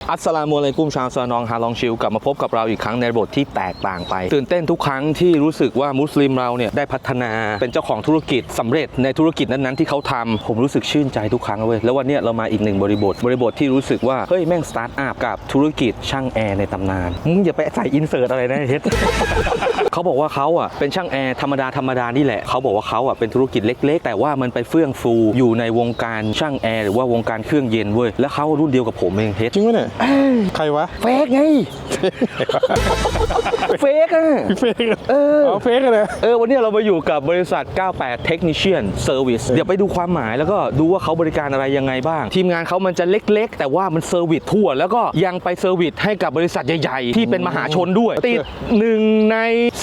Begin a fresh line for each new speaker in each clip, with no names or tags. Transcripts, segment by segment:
อัสสลามุอะลัยกุมชาวซานองฮาลองชิลกลับมาพบกับเราอีกครั้งในบทที่แตกต่างไปตื่นเต้นทุกครั้งที่รู้สึกว่ามุสลิมเราเนี่ยได้พัฒนาเป็นเจ้าของธุรกิจสำเร็จในธุรกิจนั้นๆที่เขาทำผมรู้สึกชื่นใจทุกครั้งเลยแล้ววันนี้เรามาอีกหนึ่งบริบทที่รู้สึกว่าเฮ้ยแม่งสตาร์ทอัพกับธุรกิจช่างแอร์ในตำนานมึงอย่าไปใส่อินเสิร์ตอะไรนะเฮ็ด เขาบอกว่าเขาอ่ะเป็นช่างแอร์ธรรมดานี่แหละเขาบอกว่าเขาอ่ะเป็นธุรกิจเล็กๆแต่ว่ามันไปเฟื่องฟูอยู่ในวงการช่างแอร์หรือว่าวงการเครื่องเย็นเว้ยแล้วเขารุ่นเดียวกับผมเองเฮ็ด
จริงวะเนี่ยใครวะ
เฟกไง เฟกอะ
เฟกเฟกเลย
วันนี้เรามาอยู่กับบริษัท 98 Technician Service เดี๋ยวไปดูความหมายแล้วก็ดูว่าเขาบริการอะไรยังไงบ้างทีมงานเขามันจะเล็กๆแต่ว่ามันเซอร์วิสทั่วแล้วก็ยังไปเซอร์วิสให้กับบริษัทใหญ่ๆที่เป็นมหาชนด้วยติด1 ใน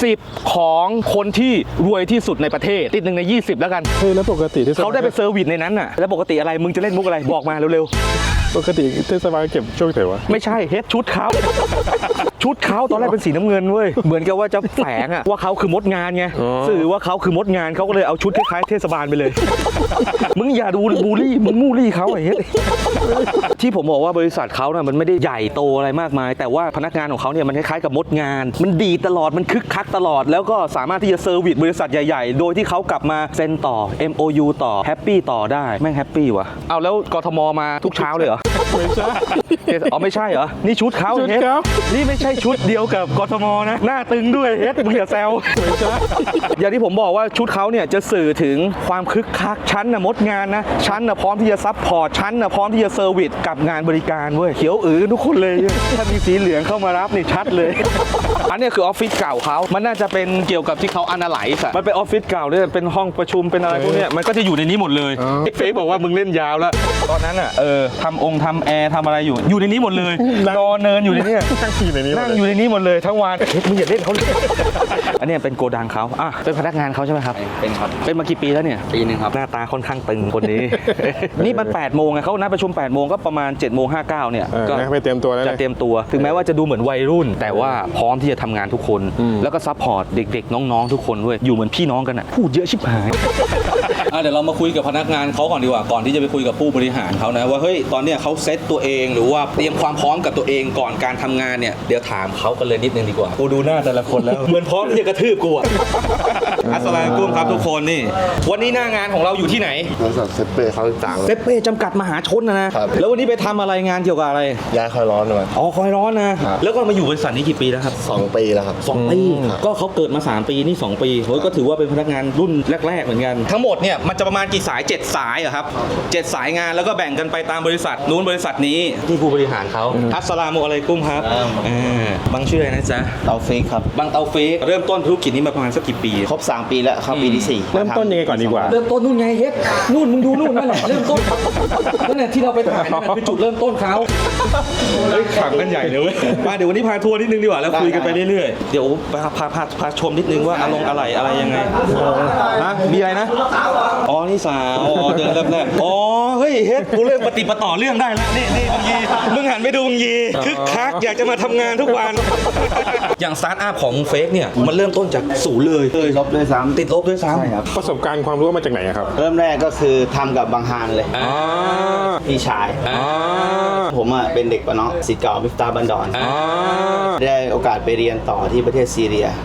10ของคนที่รวยที่สุดในประเทศติด1 ใน 20แล้วกัน
เฮ้ยแล้วปกติที่
เขาได้ไปเซอร์วิสในนั้นน่ะแล้วปกติอะไรมึงจะเล่นมุกอะไรบอกมาเร็ว
ๆปกติเทศบาลเก็บช่วงไหนวะ
ไม่ใช่เฮ็ดชุดเขาตอนแรกเป็นสีน้ำเงินเว้ยเหมือนกับว่าจะแฝงอะว่าเขาคือมดงานไงสื่อว่าเขาคือมดงานเขาก็เลยเอาชุดคล้ายๆเทศบาลไปเลย มึงอย่าดูบูลลี่มึงมูลี่เขาไอ้เฮ็ดที่ผมบอกว่าบริษัทเขาเนี่ยมันไม่ได้ใหญ่โตอะไรมากมายแต่ว่าพนักงานของเขาเนี่ยมันคล้ายๆกับมดงานมันดีตลอดมันคึกคักตลอดแล้วก็สามารถที่จะเซอร์วิสบริษัทใหญ่ๆโดยที่เขากลับมาเซ็นต่อ MOU ต่อแฮปปี้ต่อได้แม่งแฮปปี้ว่ะเอาแล้วกทมมาทุกเช้าเลยเหรอ
ไม่ใช่
ไม่ใช่เหรอนี่ชุดเขาเฮ็ดนี่ไม่ใช่ชุดเดียวกับกทมนะหน้าตึงด้วยเฮ็ดมึงอย่าแซวไม่ใช่อย่างที่ผมบอกว่าชุดเขาเนี่ยจะสื่อถึงความคึกคักชั้นน่ะมดงานนะชั้นน่ะพร้อมที่จะซัพพอร์ตชั้นน่ะพร้อมที่จะเซอร์วิสกับงานบริการเว้ยเขียวทุกคนเลยถ้ามีสีเหลืองเข้ามารับนี่ชัดเลยอันนี้คือออฟฟิศเก่าเขามันน่าจะเป็นเกี่ยวกับที่เขาอนาไลซ์มันเป็นออฟฟิศเก่าเนี่ยเป็นห้องประชุมเป็นอะไรพวกเนี้ยมันก็จะอยู่ในนี้หมดเลยเฟซบอกว่ามึงเล่นยาวแล้วตอนนั้นอ่ะทำแอร์ทำอะไรอยู่ในนี้หมดเลยนอนเนินอยู่ในนี้นั่งอยู่ในนี้หมดเลยทั้งวันมึงอย่าเล่นเขาเลยอันนี้เป็นโกดังเขาเป็นพนักงานเขาใช่ไหมครับเป็นครับเป็นมากี่ปีแล้วเนี่ยปีนึงครับหน้าตาค่อนข้างตึงคนนี้ นี่มัน8 โมงไงเขานัดประชุม8 โมงก็ประมาณ7 โมง 59เนี่ย
ก็ไปเตรียมตัวแล้ว
จะเตรียมตัวถึงแม้ว่าจะดูเหมือนวัยรุ่นแต่ว่าพร้อมที่จะทำงานทุกคนแล้วก็ซัพพอร์ตเด็กๆน้องๆทุกคนด้วยอยู่เหมือนพี่น้องกันอ่ะพูดเยอะชิบหายเดี๋ยวเรามาคุยกับพนักงานเขาก่อนดีกว่าก่อนที่จะไปคุยกับผู้บริหารเขานะว่าเฮ้ยตอนเนี้ยเขาเซตตัวเองหรือว่าเตรียมความพร้อมกับตัวเองก่อนการทำงานเนี่ยเดี๋ยวถามเขากันเลยนิดนึงดีกว่ากูดูหน้าแต่ละคนแล้ว เหมือนพร้อมที่จะกระทืบกูอัสสลามุอะลัยกุมครับทุกคนนี่วันนี้หน้างานของเราอยู่ที่ไหน
บริษัทเซเป้เขาต่าง
เซเป้จำกัดมหาชนนะแล้ววันนี้ไปทำอะไรงานเกี่ยวกับอะไร
ย้ายคอยร้อนมา
คอยร้อนนะแล้วก็มาอยู่บริษัทนี้กี่ปีแล้วครับ
2 ปีแล้วครับ
2 ปีก็เขาเกิดมา3 ปีนี่2 ปีเฮ้ยก็ถือว่าเป็นพนักงานรุ่นแรกๆเหมือนกันทั้งหมดเนี่ยมันจะประมาณกี่สาย7 สายอะครับ7 สายงานแล้วก็แบ่งกันไปตามบริษัทนู้นบริษัทนี้ที่ผู้บริหารเขาอัสสลามุอะลัยกุมครับบางชื่ออะไรนะจ๊ะ
เตาเฟกครับ
บางเตาเฟกเริ่มต้นธุรกิจนี้มาประมาณสักกี่ปี
ครบ3 ปีแล้วเข้าปีที่4
เริ่มต้นยังไงก่อนดีกว่า
เริ่มต้นนู่นไงเฮ็ดนู่นมึงดูนู่นนั่นแหละเริ่มต้นนั่นแหละที่เราไปถ่ายนั่นคือจุดเริ่มต้นเขาขังกันใหญ่เลยมาเดี๋ยววันนี้พาทัวร์นิดนึงดีกว่าแล้วคุยกันไปเรื่อยๆเดี๋ยวพาชมนิดนึงว่าอะไรยังไงมีอะไรนะนี่สาวเดินเริ่มแรกเฮ้ยเฮ็ดกูเริ่มปฏิปต่อเรื่องได้แล้วนี่บังยีมึงหันไปดูบังยีคึกคักอยากจะมาทำงานทุกวันอย่างสตาร์ทอัพของเฟกเนี่ยมันเริ่มต้นจากศูนย์เลย
ติดลบด้วยซ้ำ
ติดลบด้วยซ้ำ
ใช่ครับ
ประสบการณ์ความรู้มาจากไหนครับ
เริ่มแรกก็คือทำกับบางฮานเลยพี่ชายผมเป็นเด็กปะเนาะศิษย์เก่ามิฟตาบันดอนได้โอกาสไปเรียนต่อที่ประเทศซีเรีย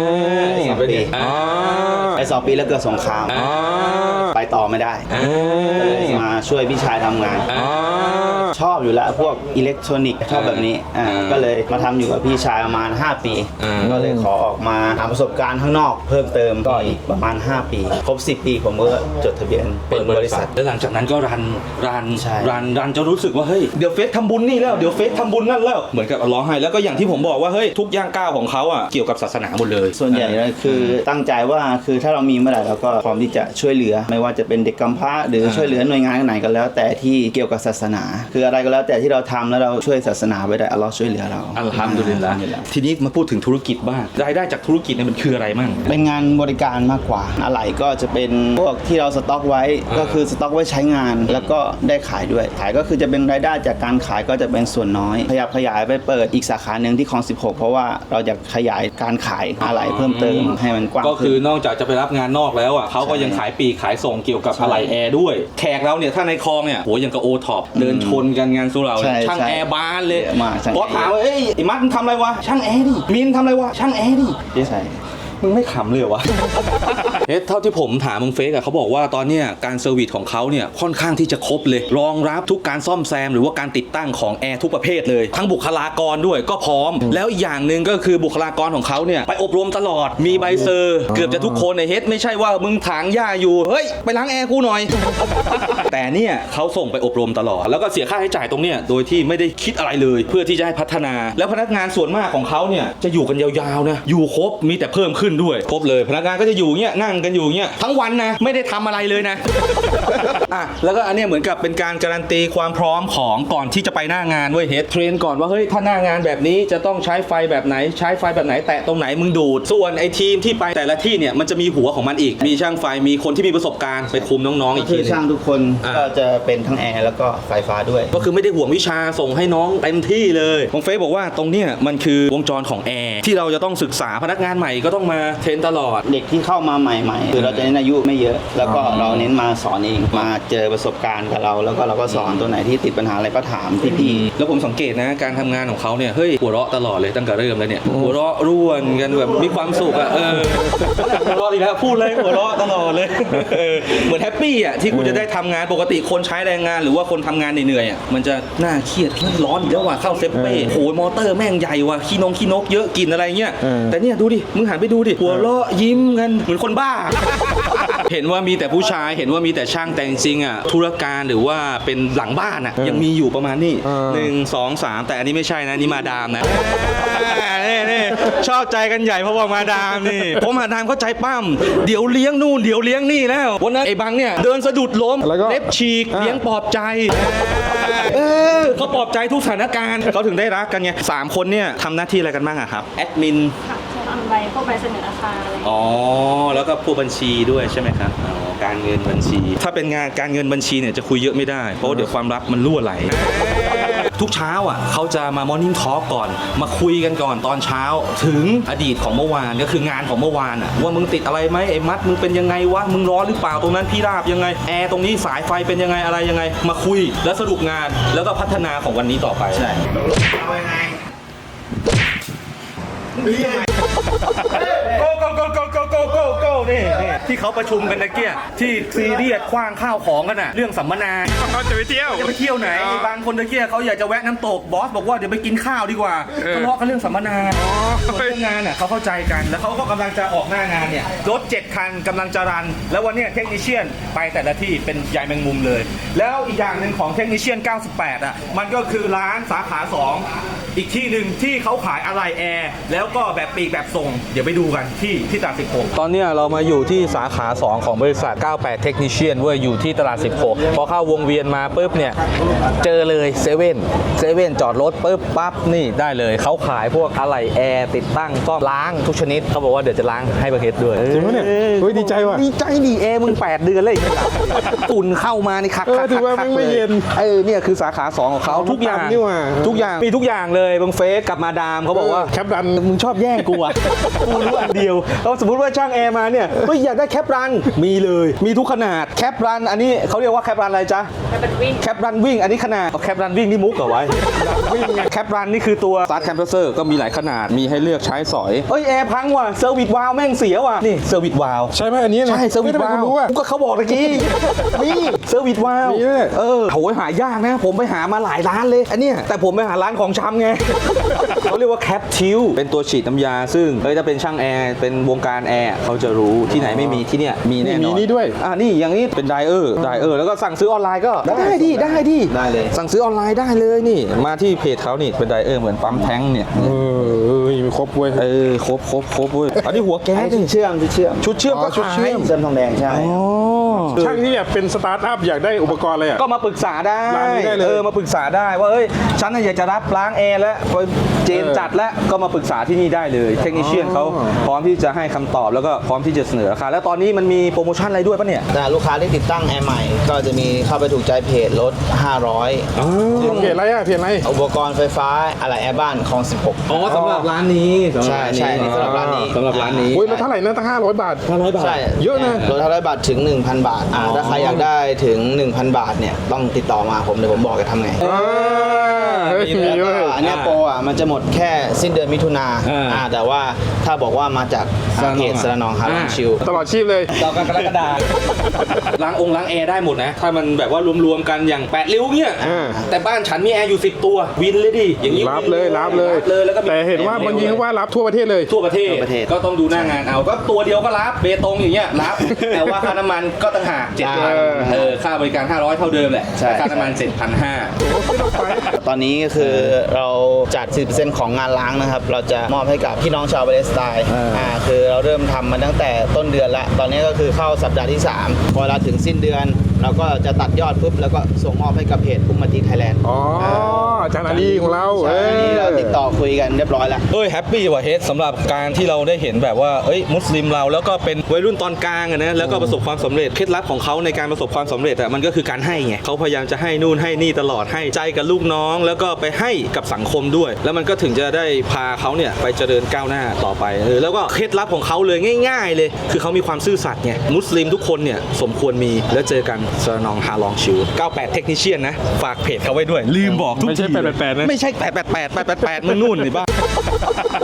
2 ปี2 ปีแล้วเกิดสงครามไปต่อไม่ได้เลยมาช่วยพี่ชายทำงานชอบอยู่แล้วพวกอิเล็กทรอนิกส์ชอบแบบนี้ก็เลยมาทำอยู่กับพี่ชายประมาณ5 ปีก็เลยขอออกมาหาประสบการณ์ข้างนอกเพิ่มเติมก็อีกประมาณ5 ปีครบ10 ปีผมก็จดทะเบียนเปิดบริษัท
แล้วหลังจากนั้นก็รันจะรู้สึกว่าเฮ้ยเดี๋ยวเฟซทำบุญนี่แล้วเดี๋ยวเฟซทำบุญนั่นแล้วเหมือนกับร้องไห้แล้วก็อย่างที่ผมบอกว่าเฮ้ยทุกย่างก้าวของเขาเกี่ยวกับศาสนาหมดเลย
ส่วนใหญ่คือตั้งใจว่าคือถ้าเรามีเมื่อไหร่เราก็พร้อมที่จะช่วยเหลือไม่ว่าจะเป็นเด็กกำพร้าหรือช่วยเหลือหน่วยงานไหนก็แล้วแต่ที่เกี่ยวกับศาสนาคืออะไรก็แล้วแต่ที่เราทำแล้วเราช่วยศาสนาไว้ได้อัลเลาะห์ช่วยเหลือเรา
อัลฮัมดุลิลละห์ทีนี้มาพูดถึงธุรกิจบ้างรายได้จากธุรกิจเนี่ยมันคืออะไรมั่ง
เป็นงานบริการมากกว่าอะไรก็จะเป็นพวกที่เราสต็อกไว้ก็คือสต็อกไว้ใช้งานแล้วก็ได้ขายด้วยขายก็คือจะเป็นรายได้จากการขายก็จะเป็นส่วนน้อยขยายไปเปิดอีกสาขาหนึ่งที่คลอง16เพราะว่าเราจะขยายการขายอะไรเพิ่มเติมให้มันกว้าง
ก็คือนอกจากจะไปรับงานนอกแล้วเขาก็ยังขายปีกขายส่งเกี่ยวกับอะไหล่แอร์ด้วยแขกเราเนี่ยถ้าในคลองเนี่ยโหยังกับโอท็อปเดินชนกันงานสุเหร่า
ใช่
ช่าง
ใช่
แอร์บานเลย
เยอะมากช่าง
พอถามว่าเอ้ยไอ้มัดมึงทำอะไรวะช่างแอร์ดิมินทำอะไรวะช่างแอร์ดิ
ใช่
มึงไม่ขำเลยเหรอวะ เท่าที่ผมถามมึงเฟกอะเขาบอกว่าตอนเนี้ยการเซอร์วิสของเขาเนี่ยค่อนข้างที่จะครบเลยรองรับทุกการซ่อมแซมหรือว่าการติดตั้งของแอร์ทุกประเภทเลยทั้งบุคลากรด้วยก็พร้อม แล้วอีกอย่างหนึ่งก็คือบุคลากรของเขาเนี่ยไปอบรมตลอดมีใบเซอร์เกือบจะทุกคนในเฮดไม่ใช่ว่ามึงถางหญ้าอยู่เฮ้ยไปล้างแอร์กูหน่อย แต่เนี่ยเขาส่งไปอบรมตลอดแล้วก็เสียค่าใช้จ่ายตรงเนี้ยโดยที่ไม่ได้คิดอะไรเลยเพื่อที่จะให้พัฒนาแล้วพนักงานส่วนมากของเขาเนี่ยจะอยู่กันยาวๆนะอยู่ครบมีแต่เพิ่มขึ้นด้วยครบเลยพนักงานก็จะอยู่เงี้ยนั่งกันอยู่เงี้ยทั้งวันนะไม่ได้ทำอะไรเลยนะ อ่ะแล้วก็อันเนี้ยเหมือนกับเป็นการการันตีความพร้อมของก่อนที่จะไปหน้างานเว้ยเฮดเทรนก่อนว่าเฮ้ยถ้าหน้างานแบบนี้จะต้องใช้ไฟแบบไหนใช้ไฟแบบไหนแตะตรงไหนมึงดูดส่วนไอ้ทีมที่ไปแต่ละที่เนี่ยมันจะมีหัวของมันอีกมีช่างไฟมีคนที่มีประสบการณ์ไปคุมน้องๆอีก
คื
ที
อ
นึง
ช่างทุกคน
อ่า
ก็จะเป็นทั้งแอร์แล้วก็ไฟฟ้าด้วย
ก็คือไม่ได้ห่วงวิชาส่งให้น้องเต็มที่เลยบงเฟซบอกว่าตรงเนี้ยมันคือวงจรของแอร์ที่เราจะต้องศึกษาพนักงานใหม่ก็ต้องมาเทรนตลอด
เด็กที่เข้ามาใหม่ๆคือเราจะเน้นอายุไม่เยอะ แล้วก็เราเน้นมาสอนเองมาเจอประสบการณ์กับเรา แล้วก็เราก็สอนตัวไหนที่ติดปัญหาอะไรก็ถามพี่ๆ
แล้วผมสังเกตนะการทำงานของเขาเนี่ยเฮ้ยหัวเราะตลอดเลยตั้งแต่เริ่มแล้วเนี่ยหัวเราะร่วนกันแบบมีความสุขอ่ะหัวเราะอีกแล้วพูดเลยหัวเราะตลอดเลยเหมือนแฮปปี้อ่ะที่กูจะได้ทำงานปกติคนใช้แรงงานหรือว่าคนทำงานเหนื่อยๆอ่ะมันจะน่าเครียดร้อนอีกแล้วว่ะเข้าเซฟเป้โหยมอเตอร์แม่งใหญ่ว่ะขี้นกเยอะกินอะไรเงี้ยแต่เนี่ยดูดิมึงหันไปดูดิหัวเราะยิ้มกันเหมือนคนบ้า เห็นว่ามีแต่ผู้ชายเห็นว่ามีแต่ช่างแต่จริงๆอ่ะธุรการหรือว่าเป็นหลังบ้านอ่ะยังมีอยู่ประมาณนี้1 2 3แต่อันนี้ไม่ใช่นะนี่มาดามนะนี่ชอบใจกันใหญ่เพราะว่ามาดามนี่ผมมาดามเข้าใจปั้มเดี๋ยวเลี้ยงนู่นเดี๋ยวเลี้ยงนี่แล้ววันนั้นไอ้บังเนี่ยเดินสะดุดล้มเล็บฉีกเลี้ยงปลอบใจเขาปลอบใจทุกสถานการณ์เขาถึงได้รักกันไง3 คนเนี่ยทำหน้าที่อะไรกันบ้างอะครับแอดมิน
ค่ะจะทำใบพวกใบเสนอราคาอะไร
อ๋อแล้วก็ผู้บัญชีด้วยใช่ไหมครับอ๋อการเงินบัญชี ถ้าเป็นงานการเงินบัญชีเนี่ยจะคุยเยอะไม่ได้เพราะเดี๋ยวความลับมันรั่วไหลทุกเช้าอ่ะเขาจะมามอร์นิ่งทอล์กก่อนมาคุยกันก่อนตอนเช้าถึงอดีตของเมื่อวานก็คืองานของเมื่อวานอ่ะว่ามึงติดอะไรไหมไอ้มัดมึงเป็นยังไงวะมึงร้อนหรือเปล่าตรงนั้นพี่ราบยังไงแอร์ตรงนี้สายไฟเป็นยังไงอะไรยังไงมาคุยแล้วสรุปงานแล้วก็พัฒนาของวันนี้ต่อไปใช่go นี่ที่เขาประชุมกันตะเกียที่ซีเรียสคว้างข้าวของกันน่ะเรื่องสัมมนา
เขาจะไปเที่ยว
จะไปเที่ยวไหนบางคนตะเกียเขาอยากจะแวะน้ำตกบอสบอกว่าเดี๋ยวไปกินข้าวดีกว่าทะเลาะกันเรื่องสัมมนาส่วนเรื่องงานน่ะเขาเข้าใจกันแล้วเขาก็กำลังจะออกหน้างานเนี่ยรถ7 คันกำลังจะรันแล้ววันเนี้ยเทคนิเชียนไปแต่ละที่เป็นใยแมงมุมเลยแล้วอีกอย่างหนึ่งของเทคนิเชียน98อ่ะมันก็คือร้านสาขา2อีกที่หนึ่งที่เขาขายอะไหล่แอร์แล้วก็แบบปีกแบบส่งเดี๋ยวไปดูกันที่ตลาด16ตอนนี้เรามาอยู่ที่สาขา 2 ของบริษัท 98 Technician เว้ยอยู่ที่ตลาด 16 พอเข้าวงเวียนมาปุ๊บเนี่ยเจอเลยเซเว่นจอดรถปุ๊บปั๊บนี่ได้เลยเขาขายพวกอะไหล่แอร์ติดตั้งซ่อมล้างทุกชนิดเขาบอกว่าเดี๋ยวจะล้างให้ประเทศด้วย
จริงปะเนี่ยเฮ้ยดีใจว่ะ
ดีใจดีแอร์มึง8 เดือนเลยฝุ่นเข้ามานี่คัก
ถือว่าไม่เย็น
เนี่ยคือสาขา 2 ของเขาทุกอย่าง
นี่ว่ะ
ทุกอย่างมีทุกอย่างเลยบางเฟสกับมาดามเขาบอกว่า
แคปดัน
มึงชอบแย่งกูอ่ะ กูรู้อันเดียวเราสมมติว่าช่างแอร์มาเนี่ยเฮ้ยอยากได้แคปรันมีเลยมีทุกขนาดแคปรันอันนี้เขาเรียกว่าแคปรันอะไรจ๊ะ
แล้วเป็นวิ่ง
แคปรันวิ่งอันนี้ขนาดแคปรันวิ่งนี่มุกเหรอไว้วิ่งไงแคปรันนี่คือตัวสตาร์ทแคมเพรสเซอร์ก็มีหลายขนาดมีให้เลือกใช้สอยเอ้ยแอร์พังว่ะเซอร์วิสวาล์วแม่งเสียว่ะนี่เซอร์วิสวาล์ว
ใช่ไหมอันนี้นะ
ใช่เซอร์วิส
ทำไม
วาล์
คุณ
ว
รู้อ่ะ
ก็เขาบอกตะกี้มีเซอร์วิสวาล์ว
มีด้วย
โหยหายากนะผมไปหามาหลายร้านเลยอันเนี้ยแต่ผมไปหาร้านของชำไง เขาเรียกว่าแคปทิวเป็นตัวฉีดน้ำยาซึ่งถ้าเป็นช่างแอร์เป็นวงการแอร์เขาจะรู้ที่ไหนไม่มีที่เนี่ยมีแน่นอน
มีนี่ด้วย
นี่อย่างนี้เป็นไดเออร์แล้วก็สั่งซื้อออนไลน์ก็ได้ดิ
ได้เลย
สั่งซื้อออนไลน์ได้เลยนี่มาที่เพจเขานี่เป็นไดเออร์เหมือนปั๊มแท้งเนี่ย
มีครบเว้ย
ครบเว้ยอันนี้หัวแก๊ส
ชุดเชื่อม
ชุดเชื่อมก็
ชุดเชื่อม
เชื่อมทองแดงใช่
ช่างที่แบบเป็นสตาร์ทอัพอยากได้อุปกรณ์อะไรอ่ะ
ก็มาปรึกษาได้
ร้านนี้ได้เลย
มาปรึกษาได้ว่าเอ้ยฉันน่ะอยากจะรับล้างแอร์แล้วเจนจัดแล้วก็มาปรึกษาที่นี่ได้เลยเทคนิเชียนเขาพร้อมที่จะให้คำตอบแล้วก็พร้อมที่จะเสนอราคาแล้วตอนนี้มันมีโปรโมชั่นอะไรด้วยปะเนี่ย
แต่ลูกค้าที่ติดตั้งแอร์ใหม่ ก็จะมีเข้าไปถูกใจเพจลด 500
เพจอะไรอ่ะเพจอะไร
อุปกรณ์ไฟฟ้าอะไรแอร์บ้านของ 16
อ๋อสำหรับร้านนี้
ใช่สำหรับร้านนี้
สำหรับร้านนี้
โอ้ยแล้วเท่าไหร่นะตั้ง500 บาท
500 บาท
ใช่
เยอะนะ
ลด500 บาทถึง 1,000 บาทถ้าใครอยากได้ถึง 1,000 บาทเนี่ยต้องติดต่อมาผมเดี๋ยวผมบอกจะทำไง
เฮ้ยมี
แล้ว
ด้
ก็
วย
อันเนี้ยโปรมันจะหมดแค่สิ้นเดือนมิถุนาแต่ว่าถ้าบอกว่ามาจากเพจสระนองฮาลองชิล
ตลอดชีพเลย
ต่อกันกรกฎาล้างล้างแอร์ได้หมดนะ ถ้ามันแบบว่ารวมๆกันอย่าง8ริ้วเนี่ย แต่บ้านฉันมีแอร์อยู่10ตัววินเลยดิอย่างนี้
รับเลย
แล้วก็มี
แต่เห็นว่าบางทีเขาว่ารับทั่วประเทศเลย
ทั่วประเทศก็ต้องดูหน้างานเอาก็ตัวเดียวก็รับเบตงอย่างเงี้ยรับ แต่ว่าค่าน้ำมันก็ต่างหาก7,000ค่าบริการ500เท่าเดิมแหละค่าน้ำมัน7,500
ตอนนี้ก็คือเราจัด 10% ของงานล้างนะครับ เราจะมอบให้กับพี่น้องชาวปาเลสไตน์คือเราเริ่มทำมาตั้งแต่ต้นเดือนแล้วตอนนี้ก็คือเข้าสัปดาห์ที่ 3 พอเราถึงสิ้นเดือน เราก็จะตัดยอดปุ๊บแล้วก็ส่งมอบให้กับเพจอุ้มมาตีไทยแลนด์
อ๋ออาจารย์อาลีของเรา
ใช่อันนี้เราติดต่อคุยกันเรียบร้อยแล้ว
แฮปปี้ว่ะเฮดสำหรับการที่เราได้เห็นแบบว่ามุสลิมเราแล้วก็เป็นวัยรุ่นตอนกลางอะนะแล้วก็ประสบความสำเร็จเคล็ดลับของเขาในการประสบความสำเร็จอะมันก็คือการให้ไงเขาพยายามจะให้นู่นให้นี่ตลอดให้ใจกับลูกน้อง แล้วก็ไปให้กับสังคมด้วย แล้วมันก็ถึงจะได้พาเขาเนี่ยไปเจริญก้าวหน้าต่อไปแล้วก็เคล็ดลับของเขาเลยง่ายๆเลยคือเขามีความซื่อสัตย์ไงมุสลิมทุกคนเนี่ยสมควรมีแล้วเจอกันสระนองฮาลองชิล98เทคนิเชียนนะฝากเพจเขาไว้ด้วยลืมบอกทุกที
ไม่ใช่888นะ
ไม่ใช่888มึงนู่นนี่บ้า